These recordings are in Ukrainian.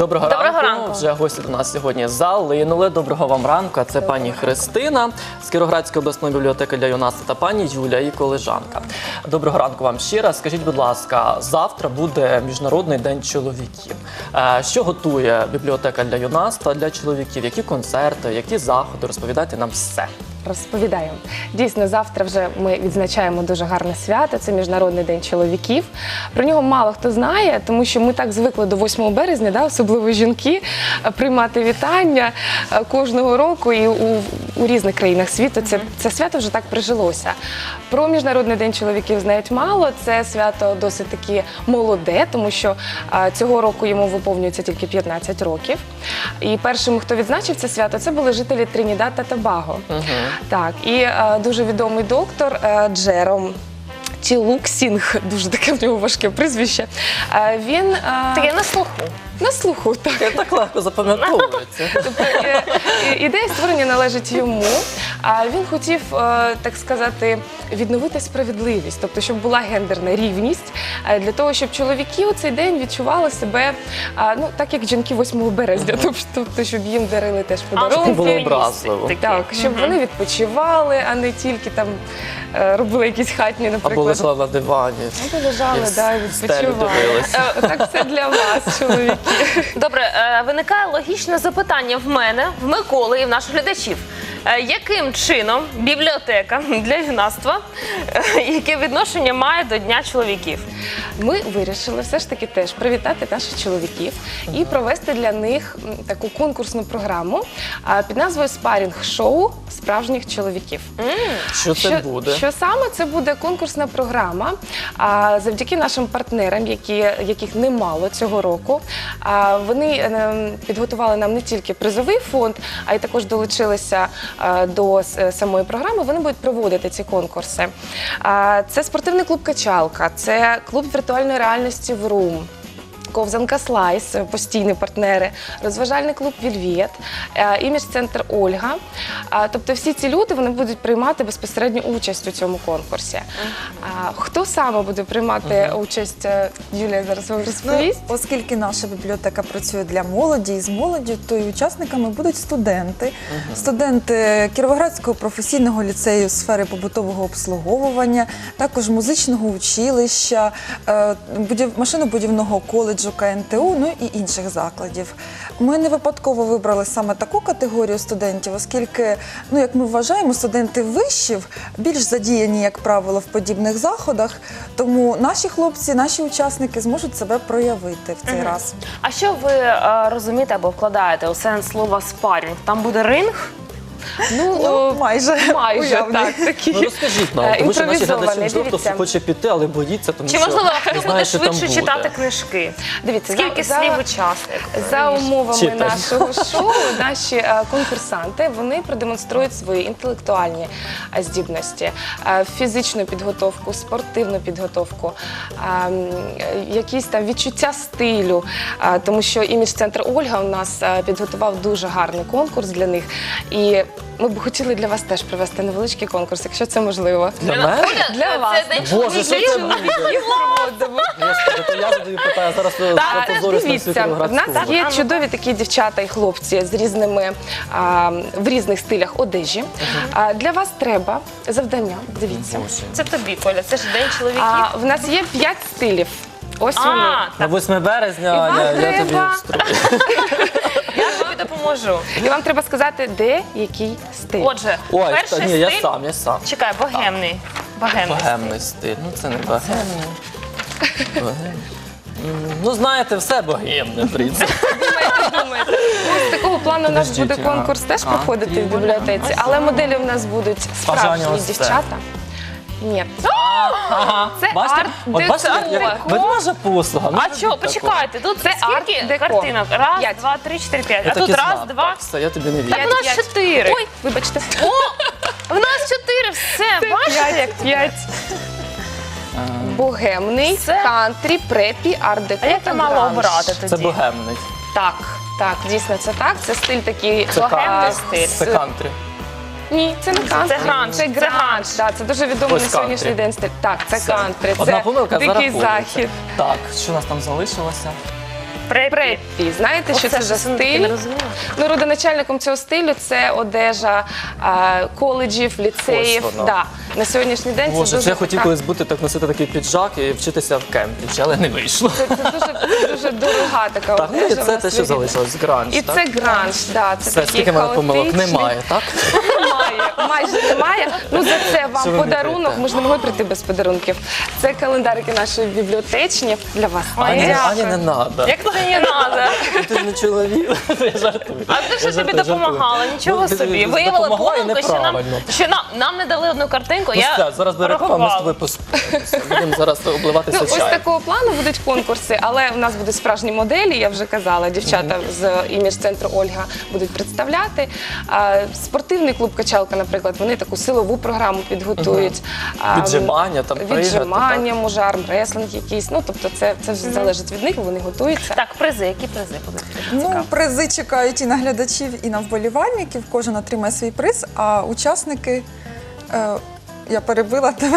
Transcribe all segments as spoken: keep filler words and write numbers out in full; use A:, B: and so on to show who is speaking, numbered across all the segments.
A: Доброго,
B: Доброго
A: ранку.
B: ранку.
A: Вже гості до нас сьогодні залинули. Доброго вам ранку. Це пані Христина з Кіровоградської обласної бібліотеки для юнацтва та пані Юля, її колежанка. Доброго ранку вам ще раз. Скажіть, будь ласка, завтра буде Міжнародний день чоловіків. Е, Що готує бібліотека для юнацтва для чоловіків? Які концерти, які заходи? Розповідайте нам все.
C: Розповідаємо. Дійсно, завтра вже ми відзначаємо дуже гарне свято. Це Міжнародний день чоловіків. Про нього мало хто знає, тому що ми так звикли до восьмого березня, да, особливо жінки, приймати вітання кожного року і у, у різних країнах світу. Це, це свято вже так прижилося. Про Міжнародний день чоловіків знають мало. Це свято досить таки молоде, тому що а, цього року йому виповнюється тільки п'ятнадцять років. І першим, хто відзначив це свято, це були жителі Тринідад та Тобаго.
A: Угу.
C: Так, і е, дуже відомий доктор е, Джером Чілуксінг, дуже таке в нього важке прізвище. Е, він е,
B: Таке на слуху.
C: на слуху, так.
A: Я так легко запам'ятовується.
C: Тобто, е, е, ідея створення належить йому. А він хотів, е, так сказати, відновити справедливість, тобто, щоб була гендерна рівність, е, для того, щоб чоловіки у цей день відчували себе, е, ну, так як жінки восьмого березня, тобто, щоб їм дарили теж
A: Щоб
C: подарунки.
A: було образливо.
C: Так, щоб вони відпочивали, а не тільки там е, робили якісь хатні, наприклад.
A: Або лежала на дивані.
C: Або лежали,
A: І
C: да, і
A: стелю
C: відпочивали.
A: дивилися.
C: Е, Так, це для вас, чоловіки.
B: Добре, е, виникає логічне запитання в мене, в Миколи і в наших глядачів. Е, Яким чином бібліотека для юнацтва, е, яке відношення має до Дня чоловіків?
C: Ми вирішили все ж таки теж привітати наших чоловіків і провести для них м, таку конкурсну програму а, під назвою «Спарінг-шоу справжніх чоловіків».
A: Що це буде?
C: Що саме? Це буде конкурсна програма. А, завдяки нашим партнерам, які, яких немало цього року. А, вони е, підготували нам не тільки призовий фонд, а й також долучилися е, до с- самої програми. Вони будуть проводити ці конкурси. А, це спортивний клуб «Качалка», це клуб віртуальної реальності «Врум», ковзанка «Слайс», постійні партнери, розважальний клуб «Вільвєт», е, імідж-центр «Ольга». А, Тобто всі ці люди вони будуть приймати безпосередню участь у цьому конкурсі. А, Хто саме буде приймати участь, е, Юлія зараз вам
D: Ну,
C: розповість.
D: оскільки наша бібліотека працює для молоді і з молоддю, то і учасниками будуть студенти. Студенти Кіровоградського професійного ліцею сфери побутового обслуговування, також музичного училища, е, будів- машинобудівного коледжу Ка Ен Те У, ну і інших закладів. Ми не випадково вибрали саме таку категорію студентів, оскільки, ну, як ми вважаємо, студенти вишів більш задіяні, як правило, в подібних заходах, тому наші хлопці, наші учасники зможуть себе проявити в цей раз.
B: А що ви е, розумієте або вкладаєте у сенс слова «спарінг»? Там буде ринг?
C: Ну,
D: Ну,
C: о,
D: майже.
C: майже
D: уявний.
C: так, такі.
A: Ну розкажіть нам,
C: Е,
A: тому що наші глядачі,
C: імпровізований,
A: можливо, хтось
C: дивіться.
A: хоче піти, але боїться, тому
B: Чи
A: що
B: можливо
A: не
B: хтось буде
A: знає, що там
B: швидше
A: буде.
B: читати книжки?
C: Дивіться,
B: Скільки
C: за-
B: слів
C: за-
B: учасник?
C: За умовами
A: Читай.
C: нашого шоу, наші е, конкурсанти вони продемонструють свої інтелектуальні е, здібності, е, фізичну підготовку, спортивну підготовку, е, м, е, якісь там відчуття стилю, е, тому що імідж-центр Ольга у нас е, підготував дуже гарний конкурс для них. І ми б хотіли для вас теж провести невеличкий конкурс, якщо це можливо.
A: Для мене?
C: Для вас.
B: Це день
A: Боже, що це
B: чоловіків.
A: буде? Господи, то я задаю питання, зараз
C: Так,
A: пропозорюсь на всю
C: дивіться, в
A: Кіровоградську
C: нас
A: область.
C: є чудові такі дівчата і хлопці з різними а, в різних стилях одежі. А, для вас треба завдання. Дивіться.
B: Це тобі, Коля, це ж день чоловіків.
C: А, в нас є п'ять стилів. Ось вони.
B: А,
A: На восьме березня,
C: І вам
A: Аня, я тобі
C: треба-
A: встрою.
B: я тобі допоможу.
C: І вам треба сказати, де який стиль.
B: Отже,
A: Ой, та,
B: перший
A: ні, я
B: стиль.
A: сам, я сам.
B: Чекай, богемний. Богемний.
A: Богемний стиль. Ну це не богемний. Богемний. М, Ну, знаєте, все богемне, в принципі.
C: Думаєте, ну, з такого плану у нас
A: Подождіть,
C: буде
A: а.
C: конкурс теж
A: А,
C: проходити в
A: трибуна.
C: бібліотеці, але моделі у нас будуть
A: Бажання
C: справжні
A: ось це.
C: дівчата. Ні.
A: Ага.
C: Це
A: Бачите? От бачите,
C: арт-деко.
A: як ведмежа послуга. Ну,
B: А що, почекайте, тут
C: Це
B: скільки
C: арт-деко.
B: картинок? Раз,
C: П'ять.
B: два, три, чотири, п'ять.
A: Я
B: А
A: так
B: тут
A: і
B: раз,
A: знав.
B: два.
A: Так, все, я тобі не вірю.
B: Так у нас
C: П'ять.
B: чотири.
C: Ой, вибачте.
B: О, в нас чотири, все, бачите?
C: П'ять, п'ять. Богемний,
B: Це-
C: кантрі, препі, арт-деко
B: А як
C: та
B: я мала
C: гранж.
B: обирати
A: Це
B: тоді?
A: богемний.
C: Так, так, дійсно це так. Це стиль такий
A: Це
C: богемний
A: кантри.
C: стиль.
A: Це кантрі.
C: Ні, це не кантрі.
B: Це гранж,
C: Це
B: це
C: гранж.
B: гранж.
C: Да, це дуже відомий
A: Ось
C: на сьогоднішній
A: кантрі.
C: день стиль. Так, це
A: Все.
C: кантрі.
A: Одна
C: Це
A: помилка
C: дикий
A: зараховується.
C: захід.
A: Так, що у нас там залишилося?
B: Преппі.
C: Преппі. Знаєте, що
B: Оце
C: це за
B: щось я таки
C: стиль?
B: не розумію.
C: Ну, родоначальником цього стилю це одежа а, коледжів, ліцеїв.
A: Ось воно.
C: Да. На сьогоднішній день
A: Боже,
C: це дуже
A: це я хотів
C: така-
A: колись бути так носити такий піджак і вчитися в Кембриджі, але не вийшло.
C: Це, це дуже, це дуже дорога така
A: Так, ну і
C: одежа.
A: це
C: вона
A: те, що
C: своєрідна.
A: залишилось, гранж,
C: І
A: так?
C: це гранж, да, це
A: Все,
C: такий
A: скільки в мене помилок
C: хаотичний.
A: немає, так?
C: Немає, майже немає. Ну за це вам
A: Що ви мені
C: подарунок.
A: даєте?
C: Ми ж не могли прийти без подарунків. Це календарики нашої бібліотечні для вас.
A: Ані,
B: дякую.
A: Ані не треба.
B: Як це не треба?
A: Ти ж не чоловік, я жартую.
B: А ти
A: Я
B: що тобі
A: жартую,
B: допомагала?
A: жартую.
B: Нічого
A: Ну, ти-
B: собі.
A: ти
B: Виявила
A: допомогла і
B: помилку, що нам,
A: неправильно.
B: що нам, нам не дали одну картинку.
A: Ну
B: я
A: все, зараз буде реклама, ми з
B: порахувала.
A: тобою поспілкуємося. Будемо зараз обливатися
C: Ну, ось
A: чаєм.
C: такого плану будуть конкурси, але в нас будуть справжні моделі, я вже казала, дівчата з імідж-центру Ольга будуть представляти. А, спортивний клуб «Качалка», наприклад, вони таку силову програму підготують. А,
A: Віджимання, там, пригати,
C: Віджимання, може, армреслинг якийсь. Ну, тобто це, це вже залежить від них, вони готуються.
B: Так, призи. Які призи будуть?
D: Ну, призи чекають і на глядачів, і на вболівальників. Кожен отримає свій приз, а учасники. Е, я перебила тебе.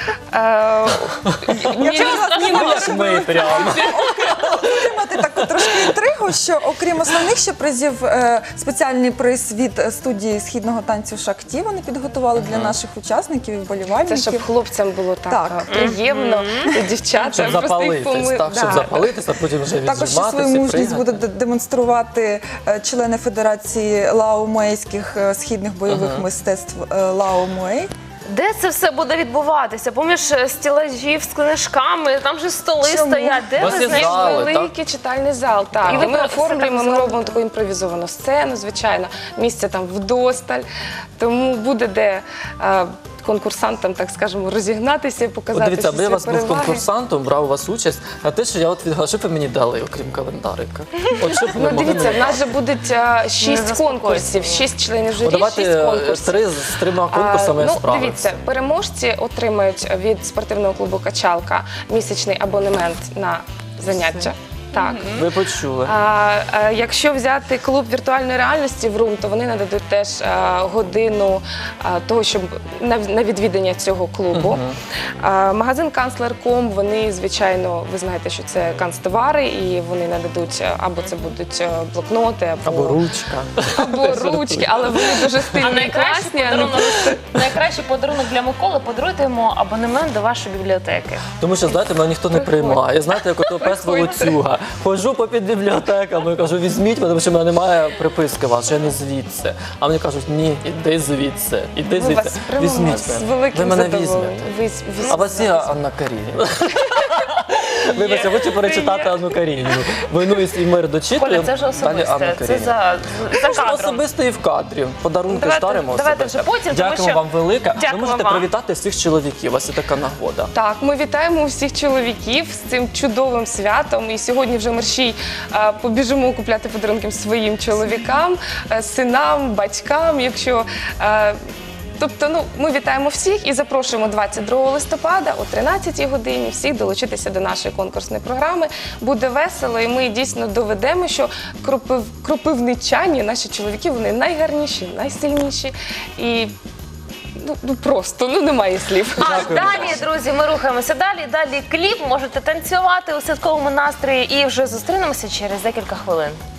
C: Е,
D: Якщо
C: ні,
D: вас
C: ні,
D: не
C: ні,
A: Ми прямо.
D: отримати таку трошки інтригу, що окрім основних ще призів, е, спеціальний приз від е, студії східного танцю «Шакті» вони підготували для наших учасників і
C: Це
D: вболівальників.
C: щоб хлопцям було так,
D: Так.
C: е, приємно, дівчата.
A: Щоб
C: просто їх
A: запалитись,
C: поми-
A: так, щоб
C: Да.
A: запалитися, потім вже
D: Також ще
A: віджиматися,
D: свою мужність
A: пригати.
D: будуть де- демонструвати е, члени Федерації лаомуейських е, східних бойових мистецтв е, Лао Муей.
B: Де це все буде відбуватися? Поміж е, стілажів з книжками, там же столи
D: Чому?
B: стоять. Де
A: У вас
B: ви
A: є
B: знайшли?
A: зали,
C: Великий читальний зал, так.
B: І
C: І
B: ви
C: ми
B: про-
C: оформлюємо,
B: це
C: ми
B: так
C: робимо таку імпровізовану сцену, звичайно. Місця там вдосталь. Тому буде де е, конкурсантам, так скажемо, розігнатися і
A: От
C: показати
A: дивіться,
C: всі
A: аби я
C: свої
A: вас був
C: переваги.
A: конкурсантом, брав у вас участь, а те, що я от відгадав, що б ви мені дали, окрім календарика? От що б ви
C: Ну,
A: могли
C: дивіться, в
A: мені
C: нас же будуть е, шість
B: заспокойтеся.
C: конкурсів, шість членів журі,
A: От давайте
C: шість
A: е,
C: конкурсів.
A: три з трьома конкурсами
C: А, ну,
A: справився.
C: дивіться, переможці отримають від спортивного клубу «Качалка» місячний абонемент на заняття. Так.
A: Ви почули.
C: А, а якщо взяти клуб віртуальної реальності в Рум, то вони нададуть теж а, годину а, того, щоб на, на відвідання цього клубу. А, магазин Канцлер точка ком, вони, звичайно, ви знаєте, що це канцтовари, і вони нададуть а, або це будуть а, блокноти, або,
A: Або ручка.
C: або ручки, але вони дуже
B: А
C: стильні і
B: найкращий
C: класні. а не
B: подарунок, найкращий подарунок для Миколи – подаруйте йому абонемент до вашої бібліотеки.
A: Тому що, знаєте, мене ніхто не приймає. Знаєте, як ото пес
C: Приходьте.
A: волоцюга. Ходжу по під бібліотеками, кажу, візьміть, тому що в мене немає приписки вас, що я не звідси. А мені кажуть, ні, іди звідси, іди
C: Ми вас
A: звідси.
C: приймемо
A: Візьміть
C: з
A: мене.
C: великим
A: Ви мене
C: задоволенням.
A: візьмете.
C: Ви- ви-
A: А у вас є Анна Карініна? Вибачте, хочу перечитати Анну Карініну. «Війну і мир» дочитую,
B: Коля, це вже
A: далі Анна
B: особисте. Це
A: Карініна.
B: за, за
A: Можна
B: кадром.
A: особисто і в кадрі. Подарунки
B: Давайте-
A: старимо
B: давайте
A: особисто.
B: вже потім, тому
A: Дякуємо
B: що-
A: вам велике. Ви
B: Дякую
A: можете
B: вам.
A: привітати всіх чоловіків. У вас є така нагода.
C: Так, ми вітаємо всіх чоловіків з цим чудовим святом. І сьогодні вже мерщій е, побіжимо купляти подарунки своїм чоловікам, е, синам, батькам. Якщо е, тобто, ну ми вітаємо всіх і запрошуємо двадцять другого листопада о тринадцятій годині всіх долучитися до нашої конкурсної програми. Буде весело, і ми дійсно доведемо, що кропив, кропивничані, наші чоловіки, вони найгарніші, найсильніші і ну, ну просто ну немає слів.
B: А
A: Дякую.
B: далі, друзі, ми рухаємося далі. Далі кліп, можете танцювати у святковому настрої і вже зустрінемося через декілька хвилин.